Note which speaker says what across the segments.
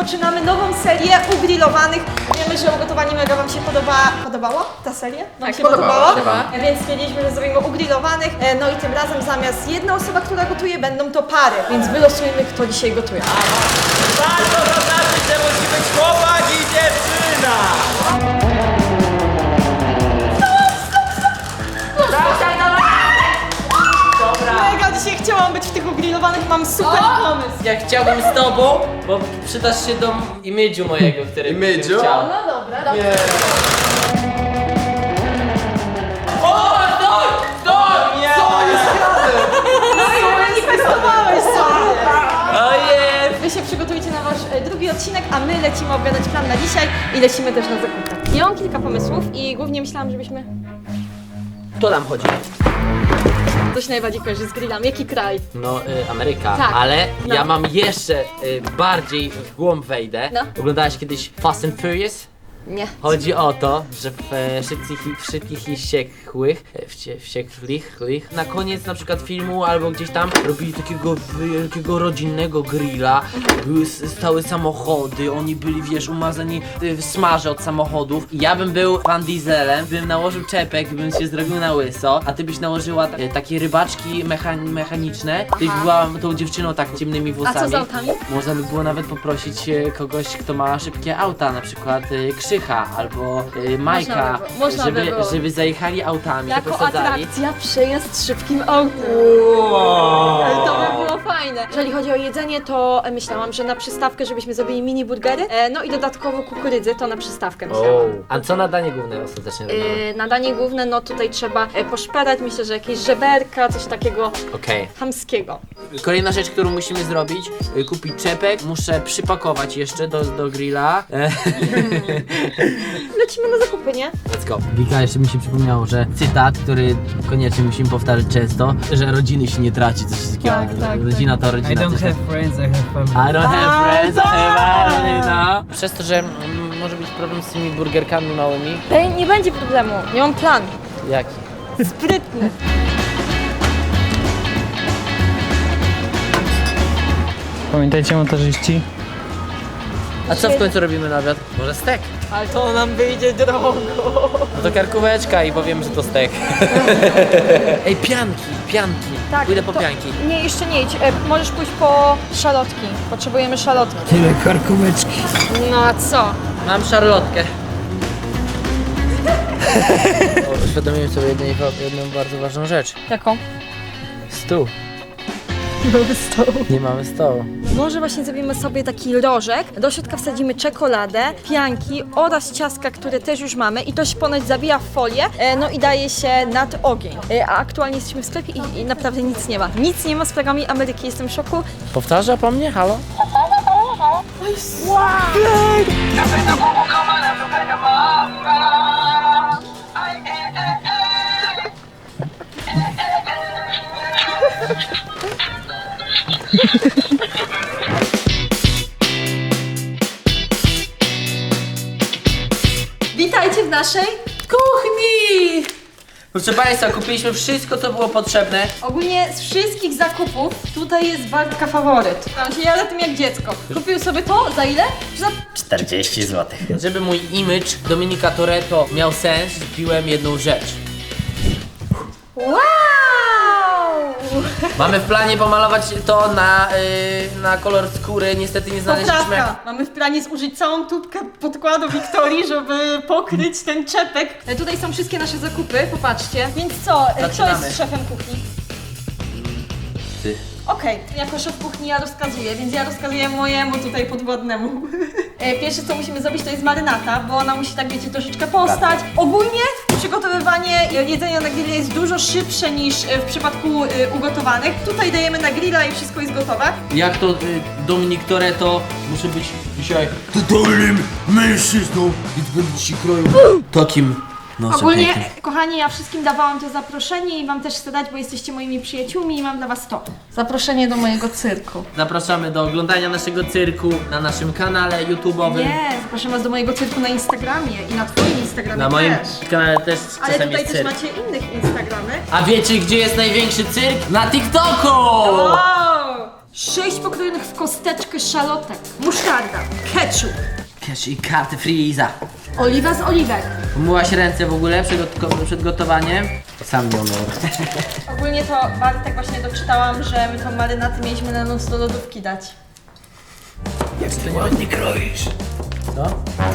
Speaker 1: rozpoczynamy nową serię ugrillowanych. Wiemy, że ugotowanie mega wam się podobało ta seria? Wam się podobało? Więc stwierdziliśmy, że zrobimy ugrillowanych. No i tym razem zamiast jedna osoba, która gotuje, będą to pary. Więc wylosujemy, kto dzisiaj gotuje.
Speaker 2: Bardzo zaznaczyć, że musi być chłopak i dziewczyna!
Speaker 1: Mega dzisiaj chciałam być w tych ugrillowanych, mam super pomysł.
Speaker 3: Ja chciałbym z tobą, bo przydasz się do imidżu mojego, który
Speaker 2: Imidżu?
Speaker 3: bym chciał.
Speaker 1: No dobra.
Speaker 3: O, stój! Stój! Nie!
Speaker 2: Co jest grane?
Speaker 1: No i manifestowałeś sobie.
Speaker 3: Ojej!
Speaker 1: Wy się przygotujcie na wasz drugi odcinek, a my lecimy obgadać plan na dzisiaj i lecimy też na zakupy. Ja mam kilka pomysłów i głównie myślałam, żebyśmy
Speaker 3: To nam chodzi.
Speaker 1: coś najbardziej kojarzy z grillami. Jaki kraj?
Speaker 3: No, Ameryka,
Speaker 1: Tak.
Speaker 3: ale
Speaker 1: No.
Speaker 3: ja mam jeszcze bardziej w głąb wejdę.
Speaker 1: No.
Speaker 3: Oglądałaś kiedyś Fast and Furious?
Speaker 1: Nie.
Speaker 3: Chodzi o to, że w Szybkich i Wściekłych, na koniec na przykład filmu albo gdzieś tam robili takiego wielkiego rodzinnego grilla, stały samochody, oni byli, wiesz, umazani w smarze od samochodów. I ja bym był Van Dieselem, bym nałożył czepek, bym się zrobił na łyso, a ty byś nałożyła takie rybaczki mechaniczne, ty byś była tą dziewczyną tak ciemnymi włosami.
Speaker 1: A co z autami?
Speaker 3: Można by było nawet poprosić kogoś, kto ma szybkie auta, na przykład Krzycha albo Majka,
Speaker 1: Można by było.
Speaker 3: żeby zajechali autami,
Speaker 1: Jako
Speaker 3: to posadzali.
Speaker 1: atrakcja przejazd szybkim autem. To by było fajne. Jeżeli chodzi o jedzenie, to myślałam, że na przystawkę, żebyśmy zrobili mini burgery, no i dodatkowo kukurydzy, to na przystawkę myślałam.
Speaker 3: A co na danie główne ostatecznie robimy?
Speaker 1: Na danie główne, no tutaj trzeba poszperać, myślę, że jakieś żeberka, coś takiego
Speaker 3: Okej.
Speaker 1: chamskiego.
Speaker 3: Kolejna rzecz, którą musimy zrobić, kupić czepek, muszę przypakować jeszcze do grilla.
Speaker 1: Lecimy na zakupy, nie?
Speaker 3: Let's go. Wika, jeszcze mi się przypomniało, że cytat, który koniecznie musimy powtarzać często, że rodziny się nie traci, coś takiego.
Speaker 1: Tak.
Speaker 3: Rodzina to rodzina.
Speaker 4: I don't
Speaker 3: coś
Speaker 4: have
Speaker 3: tak-
Speaker 4: friends, I have family.
Speaker 3: I don't have friends, I have family, no. Przez to, że może być problem z tymi burgerkami małymi.
Speaker 1: Nie będzie problemu, nie mam plan.
Speaker 3: Jaki?
Speaker 1: Sprytny.
Speaker 4: Pamiętajcie, montażyści?
Speaker 3: A co w końcu robimy na obiad? Może stek?
Speaker 1: Ale to nam wyjdzie drogo.
Speaker 3: No to karkóweczka i powiem, że to stek. Ej, pianki. Pójdę po
Speaker 1: to-
Speaker 3: pianki.
Speaker 1: Nie, jeszcze nie idź. Możesz pójść po szalotki. Potrzebujemy szalotki.
Speaker 4: Tyle karkóweczki.
Speaker 1: No a co?
Speaker 3: Mam szarlotkę. Uświadomiłem sobie jedną bardzo ważną rzecz.
Speaker 1: Jaką?
Speaker 3: Stół.
Speaker 1: Mamy stoł.
Speaker 3: Nie mamy stołu.
Speaker 1: Może właśnie zrobimy sobie taki rożek. Do środka wsadzimy czekoladę, pianki oraz ciastka, które też już mamy i to się ponoć zabija w folię, no i daje się nad ogień. A aktualnie jesteśmy w sklepie i naprawdę nic nie ma. Nic nie ma z plagami Ameryki, jestem w szoku.
Speaker 3: Powtarza po mnie? Halo?
Speaker 1: Witajcie w naszej
Speaker 3: Kuchni! Proszę Państwa, kupiliśmy wszystko, co było potrzebne.
Speaker 1: Ogólnie z wszystkich zakupów tutaj jest Bartka faworyt. Tam się jada tym jak dziecko. Kupił sobie to za ile? Za
Speaker 2: 40 zł.
Speaker 3: Żeby mój image Dominika Toretto miał sens, kupiłem jedną rzecz.
Speaker 1: wow!
Speaker 3: Mamy w planie pomalować to na kolor skóry, niestety nie znaleźliśmy.
Speaker 1: Poprawka. Mamy w planie zużyć całą tubkę podkładu Wiktorii, żeby pokryć ten czepek. Tutaj są wszystkie nasze zakupy, popatrzcie. Więc co, kto
Speaker 3: Zaczynamy.
Speaker 1: jest szefem kuchni?
Speaker 3: Ty.
Speaker 1: Okej, jako szef kuchni ja rozkazuję, więc ja rozkazuję mojemu tutaj podwładnemu. Pierwsze co musimy zrobić to jest marynata, bo ona musi tak wiecie troszeczkę postać. Ogólnie przygotowywanie jedzenia na grilla jest dużo szybsze niż w przypadku ugotowanych. Tutaj dajemy na grilla i wszystko jest gotowe.
Speaker 3: Jak to Dominik Toretto, muszę być dzisiaj
Speaker 2: Totalnym mężczyzną, więc będę ci kroił takim nosem
Speaker 1: Ogólnie,
Speaker 2: pięknym.
Speaker 1: kochani, ja wszystkim dawałam to zaproszenie i wam też chcę dać, bo jesteście moimi przyjaciółmi i mam dla was to. Zaproszenie do mojego cyrku.
Speaker 3: Zapraszamy do oglądania naszego cyrku na naszym kanale YouTube'owym.
Speaker 1: Nie, zapraszam was do mojego cyrku na Instagramie i na twoim Instagramie
Speaker 3: Na moim
Speaker 1: też.
Speaker 3: kanale też
Speaker 1: Ale
Speaker 3: czasem
Speaker 1: tutaj
Speaker 3: jest
Speaker 1: też
Speaker 3: cyrk.
Speaker 1: macie innych Instagramy.
Speaker 3: A wiecie, gdzie jest największy cyrk? Na TikToku!
Speaker 1: Wow! 6 pokrojonych w kosteczkę szalotek, musztarda, ketchup,
Speaker 3: Wiesz, i karty Freeza.
Speaker 1: oliwa z oliwek.
Speaker 3: Umyłaś ręce w ogóle przed gotowaniem? Sam nie umył.
Speaker 1: Ogólnie to Bartek właśnie doczytałam, że my tą marynatę mieliśmy na noc do lodówki dać.
Speaker 3: Co?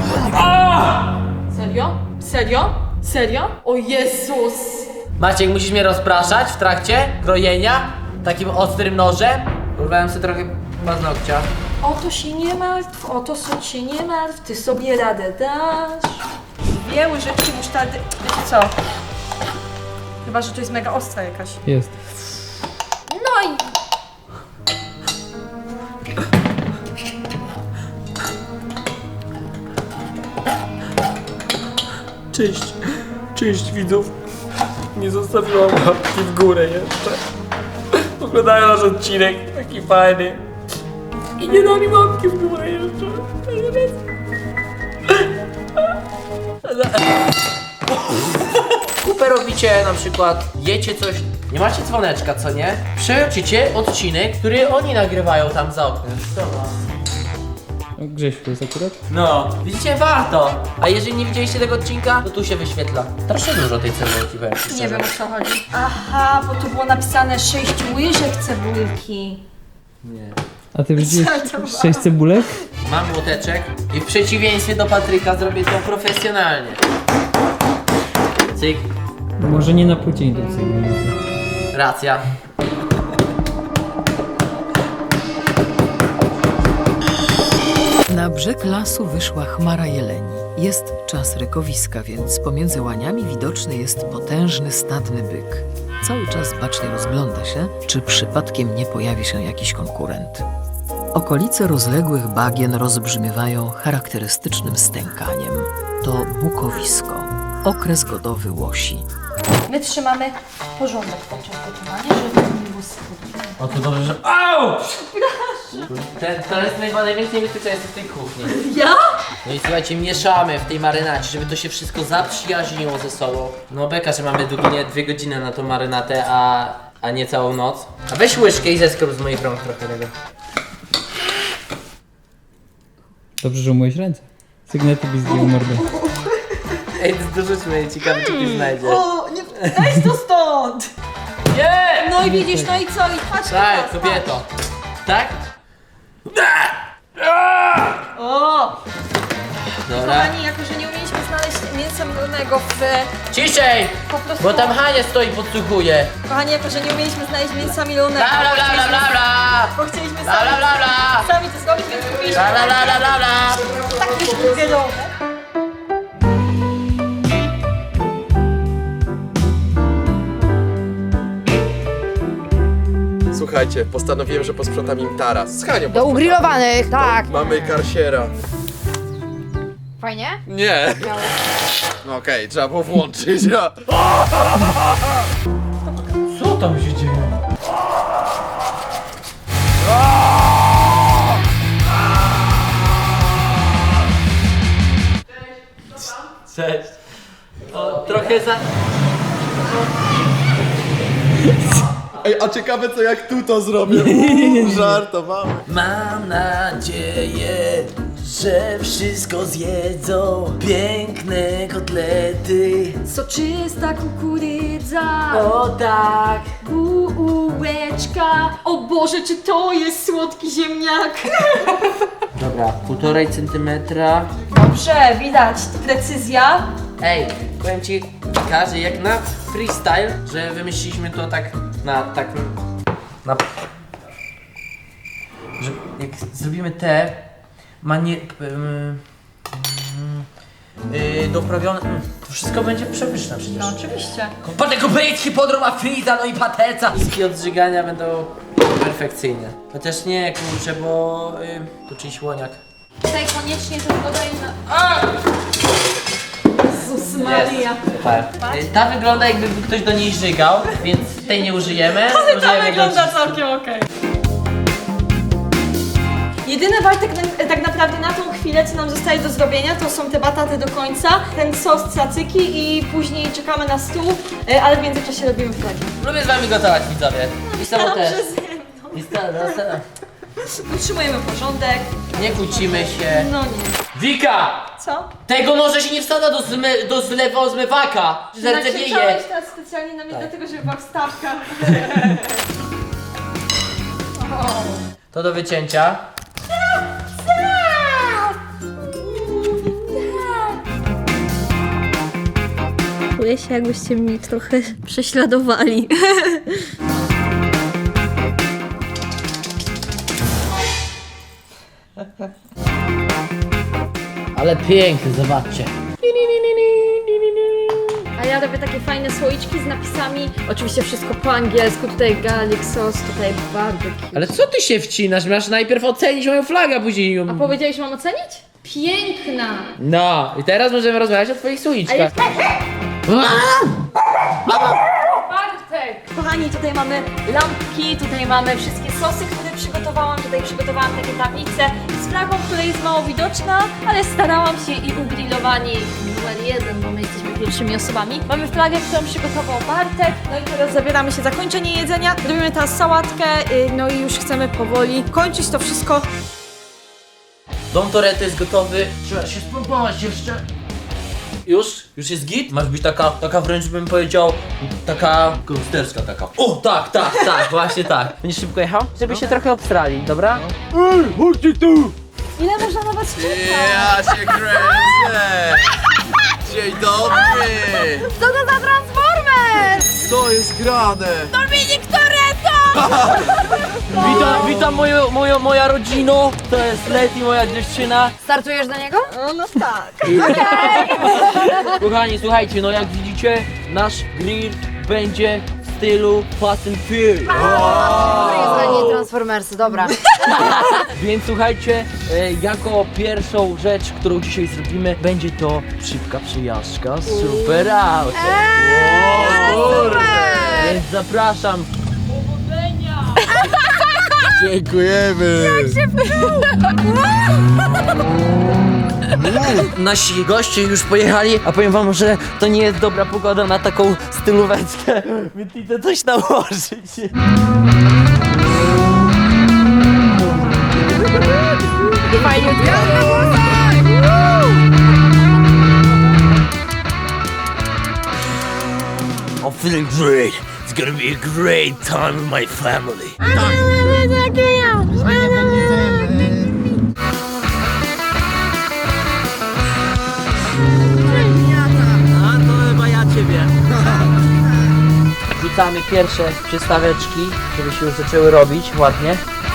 Speaker 1: Serio? Serio? Serio? O Jezus!
Speaker 3: Maciek, musisz mnie rozpraszać w trakcie krojenia takim ostrym nożem. Urwałem sobie trochę paznokcia.
Speaker 1: O to się nie martw, o to się nie martw, ty sobie radę dasz. 2 łyżeczki musztardy, wiecie co? Chyba, że to jest mega ostra jakaś.
Speaker 4: Jest.
Speaker 1: No i...
Speaker 5: Cześć widzów. Nie zostawiłam łapki w górę jeszcze. Oglądają nasz odcinek, taki fajny. I nie dali łapki w górę jeszcze.
Speaker 3: Kupę robicie na przykład, jecie coś, nie macie dzwoneczka, co nie? Przelecicie odcinek, który oni nagrywają tam za oknem.
Speaker 4: Grzesiu to jest akurat?
Speaker 3: No, widzicie, warto. A jeżeli nie widzieliście tego odcinka, to tu się wyświetla. Strasznie dużo tej cebulki, powiem ci
Speaker 1: Nie
Speaker 3: szczerze.
Speaker 1: wiem, o co chodzi. Aha, bo tu było napisane 6 łyżek cebulki.
Speaker 3: Nie.
Speaker 4: A ty wrzuciłeś
Speaker 1: Co to
Speaker 4: 6 cebulek?
Speaker 3: Mam młoteczek i w przeciwieństwie do Patryka zrobię to profesjonalnie. Cyk,
Speaker 4: Może nie na płycie indukcyjnej.
Speaker 3: racja.
Speaker 6: Na brzeg lasu wyszła chmara jeleni. Jest czas rykowiska, więc pomiędzy łaniami widoczny jest potężny stadny byk. Cały czas bacznie rozgląda się, czy przypadkiem nie pojawi się jakiś konkurent. Okolice rozległych bagien rozbrzmiewają charakterystycznym stękaniem. To bukowisko, okres godowy łosi.
Speaker 1: My trzymamy porządek podczas gotowania, żeby nie było schudnie.
Speaker 3: O, to dobrze, że... Au! To jest największe niebezpieczeństwo w tej kuchni.
Speaker 1: Ja?
Speaker 3: No i słuchajcie, mieszamy w tej marynacie, żeby to się wszystko zaprzyjaźniło ze sobą. No beka, że mamy długie 2 godziny na tą marynatę, a nie całą noc. A weź łyżkę i zeskrób z moich rąk trochę tego.
Speaker 4: Dobrze, że umyłeś ręce. Sygnety byś zdjął mordę.
Speaker 3: Ej, dorzućmy, ciekawe czy ktoś znajdzie.
Speaker 1: O, nie, daj to stąd!
Speaker 3: Nie!
Speaker 1: No i widzisz, no i co? I patrz
Speaker 3: Tak,
Speaker 1: teraz,
Speaker 3: kobieto. Tak?
Speaker 1: O!
Speaker 3: Dobra.
Speaker 1: Kochani, jako że nie umieliśmy znaleźć mięsa mrożonego w...
Speaker 3: Ciszej!
Speaker 1: Po prostu...
Speaker 3: Bo tam Hania stoi, podsłuchuje.
Speaker 1: Kochani, jako że nie umieliśmy znaleźć mięsa milonego,
Speaker 3: Bla bla bla bla bla bla!
Speaker 1: bo chcieliśmy
Speaker 3: Bla bla bla bla!
Speaker 1: sami to zrobić, więc kupiliśmy
Speaker 3: Bla bla bla bla bla bla!
Speaker 1: takie szburgerowe.
Speaker 7: Słuchajcie, postanowiłem, że posprzątam im taras. Z Hanią
Speaker 8: Do
Speaker 7: posprzątam.
Speaker 8: ugrillowanych, tak.
Speaker 7: Mamy karsiera.
Speaker 8: Fajnie?
Speaker 7: Nie. No okej, trzeba było włączyć. Ja.
Speaker 3: Co tam się dzieje? Cześć. O, trochę za...
Speaker 7: Ej, a ciekawe co jak tu to zrobię. Żartowałem.
Speaker 3: Mam nadzieję, że wszystko zjedzą. Piękne kotlety.
Speaker 1: Soczysta kukurydza,
Speaker 3: O tak.
Speaker 1: bułeczka. O Boże, czy to jest słodki ziemniak?
Speaker 3: Dobra, 1,5 centymetra.
Speaker 1: Dobrze, widać, precyzja.
Speaker 3: Ej, powiem ci, każdy jak na freestyle, że wymyśliliśmy to tak na że jak zrobimy te doprawione, to wszystko będzie przepyszne przecież.
Speaker 1: No oczywiście.
Speaker 3: Potem kupić hipodrom, a friza, no i pateca. Wszystkie odżygania będą perfekcyjne. Chociaż nie, kurczę, bo to czyjś łoniak.
Speaker 1: Tutaj koniecznie to dodaj na... Jezus Maria.
Speaker 3: Super. Ta wygląda jakby ktoś do niej żygał, więc tej nie użyjemy.
Speaker 1: Ale to
Speaker 3: Użyjemy
Speaker 1: wygląda
Speaker 3: go-
Speaker 1: całkiem okej. Jedyne Bartek tak naprawdę na tą chwilę, co nam zostaje do zrobienia, to są te bataty do końca, ten sos cacyki i później czekamy na stół, ale w międzyczasie robimy flagi.
Speaker 3: Lubię z wami gotować, widzowie. I samo też.
Speaker 1: Dobrze ze mną.
Speaker 3: I stara.
Speaker 1: Utrzymujemy porządek.
Speaker 3: Nie kłócimy się.
Speaker 1: No nie.
Speaker 3: Wika!
Speaker 1: Co?
Speaker 3: Tego noże się nie wsadza do zmywaka! Zardzewienie!
Speaker 1: Nakrzyczałeś teraz specjalnie na mnie dlatego, że była wstawka.
Speaker 3: To do wycięcia.
Speaker 1: Czuję się, jakbyście mnie trochę prześladowali.
Speaker 3: Ale piękny, zobaczcie.
Speaker 1: A ja robię takie fajne słoiczki z napisami. Oczywiście wszystko po angielsku. Tutaj garlic sauce, tutaj barbecue.
Speaker 3: Ale co ty się wcinasz? Masz najpierw ocenić moją flagę, a później ją...
Speaker 1: A powiedziałeś, mam ocenić? Piękna!
Speaker 3: No, i teraz możemy rozmawiać o twoich słoiczkach.
Speaker 1: Kochani, tutaj mamy lampki, tutaj mamy wszystkie sosy, które przygotowałam. Tutaj przygotowałam takie tablice z flagą, która jest mało widoczna, ale starałam się i ugrillowani numer 1, bo my jesteśmy pierwszymi osobami. Mamy flagę, którą przygotował Bartek. No i teraz zabieramy się za zakończenie jedzenia. Robimy teraz sałatkę, no i już chcemy powoli kończyć to wszystko.
Speaker 3: Dom Toretto jest gotowy. Trzeba się spróbować jeszcze. Już jest git? Masz być taka wręcz bym powiedział, taka gangsterska taka. O, tak, właśnie tak. Będziesz szybko jechał? Żeby się trochę obstrali, dobra?
Speaker 1: Ile można na was czekać?
Speaker 7: Ja się kręcę! Dzień dobry!
Speaker 8: Co to za Transformer?
Speaker 7: Co jest grane?
Speaker 8: Dominik Toretto!
Speaker 3: Witam moja rodzino. To jest Leti, moja dziewczyna.
Speaker 8: Startujesz do niego?
Speaker 1: No tak.
Speaker 3: Kochani, słuchajcie, no jak widzicie, nasz grill będzie w stylu Fast and Furious.
Speaker 8: A nie Transformersy, dobra.
Speaker 3: Więc słuchajcie, jako pierwszą rzecz, którą dzisiaj zrobimy, będzie to szybka przyjażdżka Super Auto. Więc zapraszam.
Speaker 7: Dziękujemy!
Speaker 3: Nasi goście już pojechali, a powiem wam, że to nie jest dobra pogoda na taką stylóweczkę, więc idę coś nałożyć. I'm feeling great. It's gonna be a great time with my family. A to chyba ja ciebie. Wrzucamy pierwsze przystaweczki, żeby się już zaczęły robić ładnie.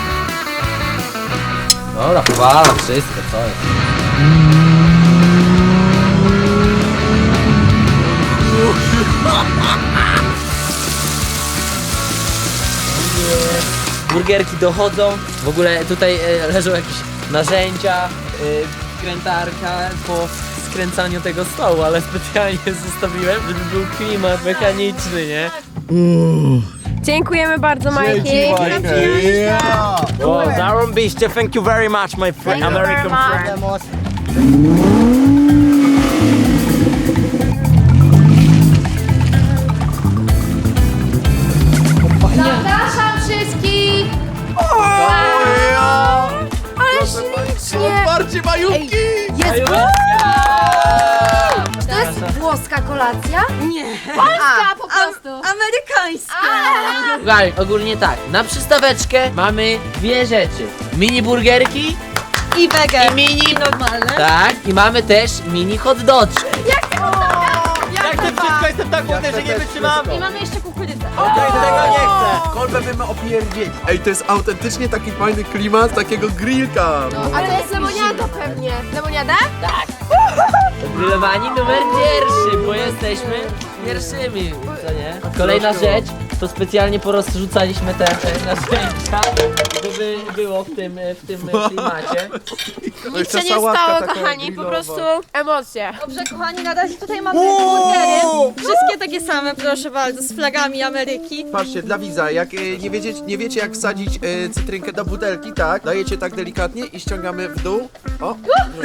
Speaker 3: Dobra, powalam wszystko, co jest. Burgerki dochodzą, w ogóle tutaj leżą jakieś narzędzia, skrętarka po skręcaniu tego stołu, ale specjalnie zostawiłem, żeby był klimat mechaniczny, nie?
Speaker 9: Dziękujemy bardzo, Majki.
Speaker 3: Zarąbiście, thank you very much, my friend.
Speaker 8: Thank you very much. Zapraszam wszystkich! Ale ślicznie!
Speaker 7: Otwarcie majówki!
Speaker 8: Jest To jest włoska kolacja? Nie. Polska po prostu.
Speaker 1: Amerykańska.
Speaker 3: Słuchaj, ogólnie tak, na przystaweczkę mamy dwie rzeczy. Mini burgerki
Speaker 1: I wege.
Speaker 3: i mini...
Speaker 1: normalne.
Speaker 3: Tak, i mamy też mini hot doczki.
Speaker 7: Jak to wszystko jestem tak głodny, że nie wytrzymam!
Speaker 1: I mamy jeszcze kukurydzę.
Speaker 7: Tego nie chcę! Kolbę bym opierdzieć. Ej, to jest autentycznie taki fajny klimat takiego grillka.
Speaker 9: Ale to jest lemoniada pewnie. Lemoniada?
Speaker 3: Grillowani numer pierwszy, bo jesteśmy pierwszymi, co nie? Kolejna rzecz, to specjalnie porozrzucaliśmy te narzędzia, żeby było w tym klimacie.
Speaker 9: Nic się nie stało, kochani, po prostu emocje.
Speaker 1: Dobrze, kochani, na razie tutaj mamy burgery. Wszystkie takie same, proszę bardzo, z flagami Ameryki.
Speaker 7: Patrzcie, dla widza, jak nie wiecie jak wsadzić cytrynkę do butelki, tak? Dajecie tak delikatnie i ściągamy w dół. O!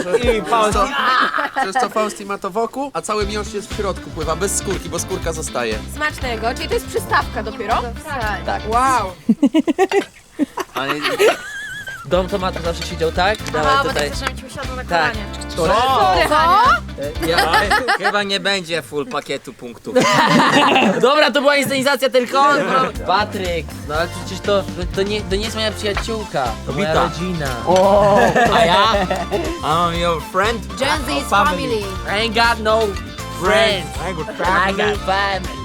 Speaker 7: Przez co Fausti ma to wokół, a cały miąższ jest w środku, pływa bez skórki, bo skórka zostaje.
Speaker 9: Smacznego, czyli to jest przystawka dopiero?
Speaker 8: Tak.
Speaker 9: Wow.
Speaker 3: Dom Tomata zawsze siedział tak. Dawaj
Speaker 9: Aha, bo
Speaker 3: tutaj.
Speaker 9: tak żebym ci usiadł na
Speaker 3: Tak.
Speaker 9: kolanie.
Speaker 3: Sorry,
Speaker 10: Chyba nie będzie full pakietu punktów.
Speaker 3: Dobra, to była inscenizacja tylko. Patryk, no ale przecież to nie jest moja przyjaciółka. To moja
Speaker 10: Wita.
Speaker 3: rodzina.
Speaker 10: A ja? I'm your friend.
Speaker 8: Gen Z is family.
Speaker 3: I ain't got no friends. I got family.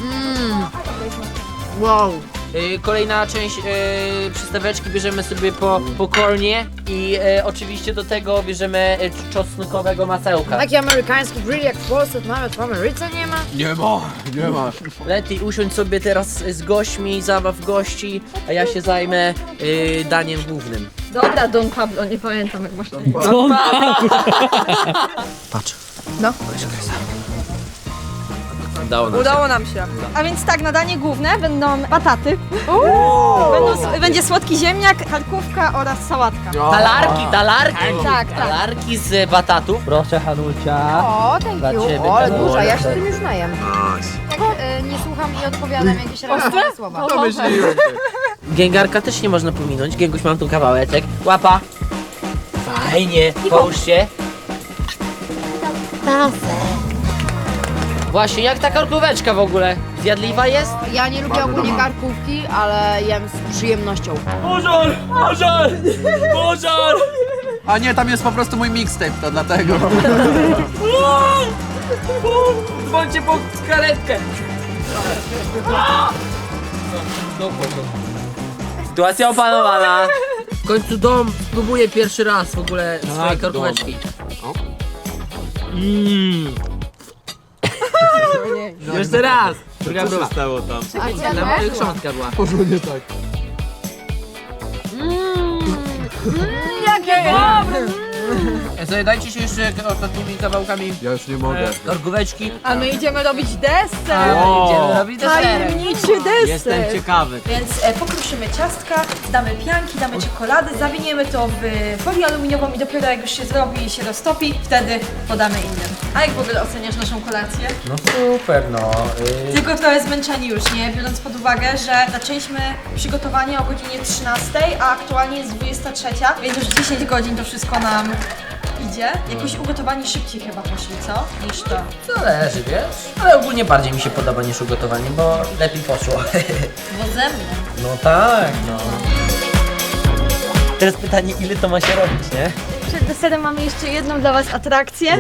Speaker 8: Wow.
Speaker 3: Kolejna część przystaweczki bierzemy sobie po kornie i oczywiście do tego bierzemy czosnkowego masełka.
Speaker 8: Taki amerykański grill jak w Polsce, nawet w Ameryce nie ma.
Speaker 7: Nie ma.
Speaker 3: Leti, usiądź sobie teraz z gośćmi, zabaw gości, a ja się zajmę daniem głównym.
Speaker 1: Dobra, Don Pablo, nie pamiętam jak masz na imię.
Speaker 3: Patrz.
Speaker 1: No.
Speaker 3: Udało nam się.
Speaker 1: Udało nam się. A więc tak, na danie główne będą bataty. Będzie słodki ziemniak, karkówka oraz sałatka.
Speaker 3: Talarki.
Speaker 1: Tak, tak.
Speaker 3: Talarki z batatów. Proszę, Hanucia.
Speaker 8: O,
Speaker 3: Dla
Speaker 8: thank you.
Speaker 3: ciebie,
Speaker 8: O, ale
Speaker 3: tak.
Speaker 8: duża, ja się tym już najem. Tak, nie słucham i odpowiadam jakieś racjonalne słowa.
Speaker 7: To myśliłem.
Speaker 3: Gęgarka też nie można pominąć. Gęguś, mam tu kawałeczek. Łapa. Fajnie. Połóż się. Właśnie, jak ta karkóweczka w ogóle? Zjadliwa jest?
Speaker 8: Ja nie lubię ogólnie karkówki, ale jem z przyjemnością.
Speaker 5: Pożar! Pożar! Pożar!
Speaker 7: A nie, tam jest po prostu mój mixtape, to dlatego.
Speaker 5: Dzwońcie po karetkę!
Speaker 3: Sytuacja opanowana. W końcu dom spróbuję pierwszy raz w ogóle swojej karkóweczki. Jeszcze raz! Druga była.
Speaker 10: Stało tam.
Speaker 3: Chrząstka była.
Speaker 7: Porządnie tak.
Speaker 8: Jakie dobre!
Speaker 3: Sobie dajcie się jeszcze takimi kawałkami
Speaker 7: Ja już nie mogę.
Speaker 3: karkóweczki.
Speaker 1: A my idziemy robić deser.
Speaker 3: Idziemy robić deserek.
Speaker 1: Tajemniczy deser.
Speaker 10: Jestem ciekawy.
Speaker 1: Więc pokruszymy ciastka, damy pianki, damy czekolady, zawiniemy to w folię aluminiową i dopiero jak już się zrobi i się roztopi, wtedy podamy innym. A jak w ogóle oceniasz naszą kolację?
Speaker 3: No super, no.
Speaker 1: Tylko trochę zmęczeni już, nie? Biorąc pod uwagę, że zaczęliśmy przygotowanie o godzinie 13, a aktualnie jest 23, więc już 10 godzin to wszystko nam idzie. Jakoś ugotowani szybciej chyba poszli, co? Niż to.
Speaker 3: Zależy, wiesz? Ale ogólnie bardziej mi się podoba niż ugotowanie, bo lepiej poszło.
Speaker 1: Bo ze mną.
Speaker 3: No tak, no. Teraz pytanie, ile to ma się robić, nie?
Speaker 1: Przed deserem mamy jeszcze jedną dla was atrakcję.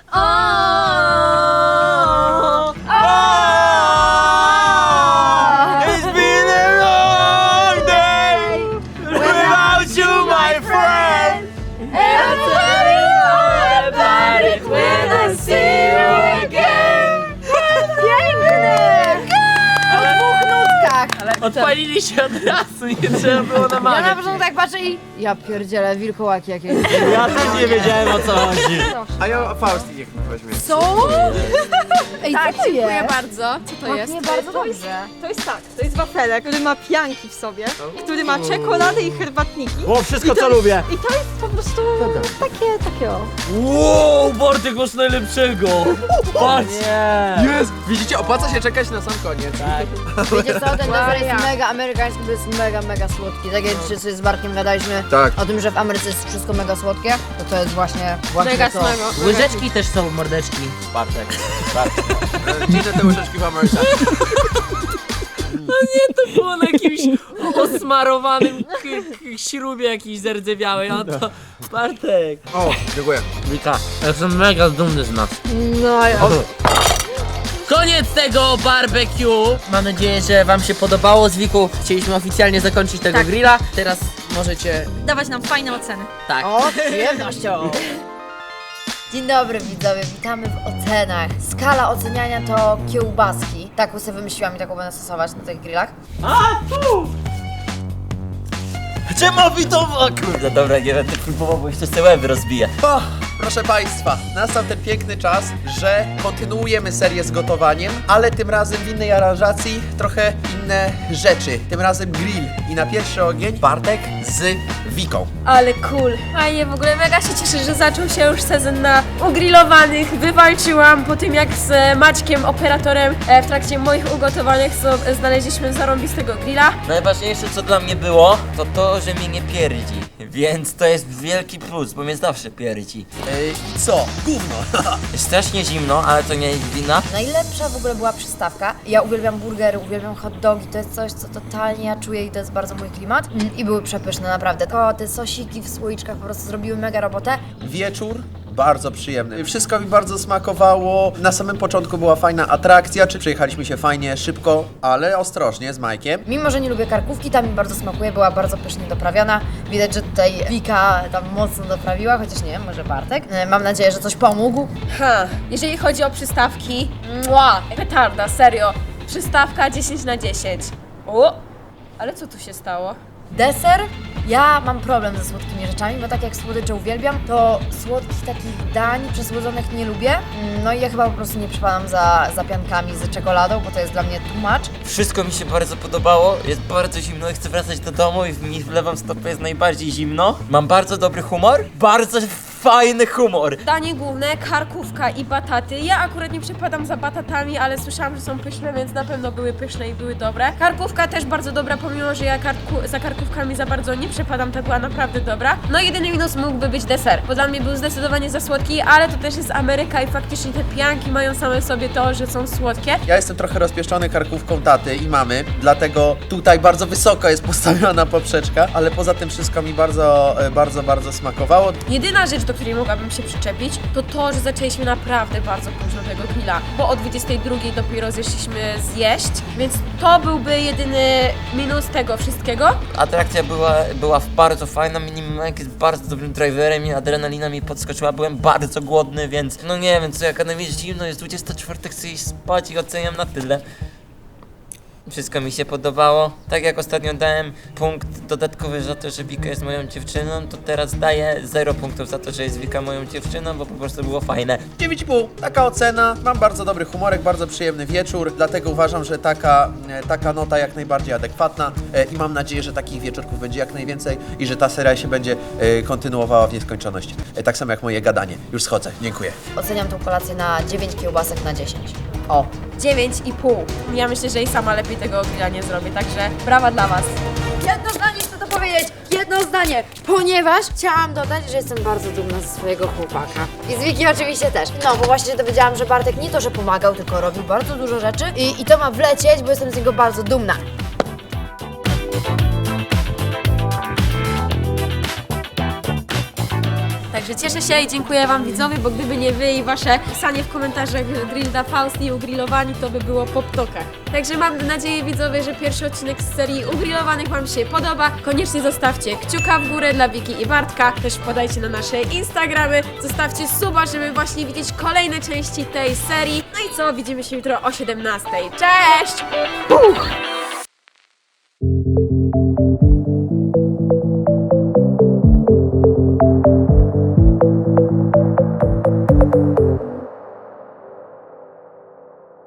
Speaker 10: It's been a long day without you, my friend. And I'll tell you all about it when I see you again.
Speaker 8: Piękne! O dwóch nutkach.
Speaker 3: Odpalili się od razu, nie trzeba było
Speaker 8: Ja
Speaker 3: namawiać.
Speaker 8: na początku tak patrzę i... Ja pierdzielę, wilkołaki jakieś.
Speaker 10: Ja też nie wiedziałem, o co chodzi.
Speaker 7: A ja Faust niech mi weźmie.
Speaker 8: Co? Ej, co to
Speaker 9: Dziękuję
Speaker 8: jest?
Speaker 9: bardzo. Co to jest?
Speaker 8: Nie bardzo dobrze.
Speaker 1: To jest tak, to jest wafelek, który ma pianki w sobie, który ma czekoladę i herbatniki.
Speaker 10: O, wszystko co lubię.
Speaker 1: I to jest po prostu takie o.
Speaker 5: Wow, Bartek masz najlepszego! Patrz!
Speaker 7: Jest! Widzicie, opłaca się czekać na sam koniec.
Speaker 8: Wiecie co, ten deser jest mega amerykański, bo jest mega słodki. Tak jak dzisiaj sobie z Bartkiem gadaliśmy
Speaker 7: Tak.
Speaker 8: o tym, że w Ameryce jest wszystko mega słodkie, to jest właśnie
Speaker 9: Mega
Speaker 8: to.
Speaker 9: smago.
Speaker 3: Łyżeczki też są, mordeczki.
Speaker 10: Bartek.
Speaker 7: Gdzie te łyżeczki w Ameryce?
Speaker 3: To było na jakimś osmarowanym śrubie jakiejś zardzewiałej, a to Bartek.
Speaker 7: O, dziękuję.
Speaker 3: Wika, ja jestem mega dumny z nas.
Speaker 8: No ja.
Speaker 3: Koniec tego barbecue. Mam nadzieję, że wam się podobało. Z Wiku chcieliśmy oficjalnie zakończyć tego grilla. Teraz możecie...
Speaker 1: Dawać nam fajne oceny.
Speaker 3: Tak.
Speaker 8: O, z przyjemnością. Dzień dobry widzowie, witamy w ocenach. Skala oceniania to kiełbaski. Taką sobie wymyśliłam i taką będę stosować na tych grillach.
Speaker 10: Czemu to? O kurde, dobra, nie będę próbował, bo jeszcze sobie łeby rozbiję.
Speaker 7: O, proszę Państwa, nastał ten piękny czas, że kontynuujemy serię z gotowaniem, ale tym razem w innej aranżacji, trochę inne rzeczy. Tym razem grill i na pierwszy ogień Bartek z Wiką.
Speaker 9: Ale cool. Fajnie, w ogóle mega się cieszę, że zaczął się już sezon na ugrillowanych. Wywalczyłam po tym, jak z Maćkiem, operatorem, w trakcie moich ugotowanych znaleźliśmy zarąbistego grilla.
Speaker 10: Najważniejsze co dla mnie było, to to, że mnie nie pierdzi. Więc to jest wielki plus, bo mnie zawsze pierdzi.
Speaker 7: I co? Gówno.
Speaker 10: Jest strasznie zimno, ale to nie jest wina.
Speaker 8: Najlepsza w ogóle była przystawka. Ja uwielbiam burgery, uwielbiam hot dogi, to jest coś, co totalnie ja czuję i to jest bardzo mój klimat. I były przepyszne, naprawdę. Te sosiki w słoiczkach po prostu zrobiły mega robotę.
Speaker 7: Wieczór bardzo przyjemny. Wszystko mi bardzo smakowało. Na samym początku była fajna atrakcja, czy przejechaliśmy się fajnie, szybko, ale ostrożnie z Majkiem.
Speaker 8: Mimo, że nie lubię karkówki, ta mi bardzo smakuje, była bardzo pysznie doprawiona. Widać, że tutaj Wika tam mocno doprawiła, chociaż nie wiem, może Bartek. Mam nadzieję, że coś pomógł.
Speaker 9: Jeżeli chodzi o przystawki, petarda, serio. Przystawka 10 na 10. O, ale co tu się stało?
Speaker 8: Deser? Ja mam problem ze słodkimi rzeczami, bo tak jak słodycze uwielbiam, to słodkich takich dań przesłodzonych nie lubię. No i ja chyba po prostu nie przypadam za piankami z czekoladą, bo to jest dla mnie too much.
Speaker 10: Wszystko mi się bardzo podobało, jest bardzo zimno i chcę wracać do domu i mi w lewą stopę jest najbardziej zimno. Mam bardzo dobry humor, bardzo fajny humor.
Speaker 9: Danie główne, karkówka i bataty. Ja akurat nie przepadam za batatami, ale słyszałam, że są pyszne, więc na pewno były pyszne i były dobre. Karkówka też bardzo dobra, pomimo, że ja za karkówkami za bardzo nie przepadam, to była naprawdę dobra. No jedyny minus mógłby być deser, bo dla mnie był zdecydowanie za słodki, ale to też jest Ameryka i faktycznie te pianki mają same w sobie to, że są słodkie.
Speaker 7: Ja jestem trochę rozpieszczony karkówką taty i mamy, dlatego tutaj bardzo wysoko jest postawiona poprzeczka, ale poza tym wszystko mi bardzo smakowało.
Speaker 9: Jedyna rzecz, do której mogłabym się przyczepić, to to, że zaczęliśmy naprawdę bardzo późno tego grilla, bo o 22 dopiero zeszliśmy zjeść, więc to byłby jedyny minus tego wszystkiego.
Speaker 10: Atrakcja była bardzo fajna, Mike jest bardzo dobrym driverem i adrenalina mi podskoczyła, byłem bardzo głodny, więc no nie wiem co, jak na mnie zimno, jest 24, chcę iść spać i oceniam na tyle. Wszystko mi się podobało. Tak jak ostatnio dałem punkt dodatkowy za to, że Wika jest moją dziewczyną, to teraz daję 0 punktów za to, że jest Wika moją dziewczyną, bo po prostu było fajne.
Speaker 7: 9,5. Taka ocena. Mam bardzo dobry humorek, bardzo przyjemny wieczór, dlatego uważam, że taka nota jak najbardziej adekwatna i mam nadzieję, że takich wieczorków będzie jak najwięcej i że ta seria się będzie kontynuowała w nieskończoność. Tak samo jak moje gadanie. Już schodzę. Dziękuję.
Speaker 8: Oceniam tą kolację na 9 kiełbasek na 10.
Speaker 9: 9,5. Ja myślę, że i sama lepiej tego grilla nie zrobię, także brawa dla was.
Speaker 8: Jedno zdanie chcę to powiedzieć, jedno zdanie, ponieważ chciałam dodać, że jestem bardzo dumna ze swojego chłopaka. I z Wiki oczywiście też. No, bo właśnie się dowiedziałam, że Bartek nie to, że pomagał, tylko robił bardzo dużo rzeczy i to ma wlecieć, bo jestem z niego bardzo dumna.
Speaker 9: Także cieszę się i dziękuję wam widzowie, bo gdyby nie wy i wasze pisanie w komentarzach Grill da Faust i ugrillowani, to by było po ptokach. Także mam nadzieję widzowie, że pierwszy odcinek z serii ugrillowanych wam się podoba. Koniecznie zostawcie kciuka w górę dla Wiki i Bartka. Też wpadajcie na nasze Instagramy, zostawcie suba, żeby właśnie widzieć kolejne części tej serii. No i co, widzimy się jutro o 17:00. Cześć!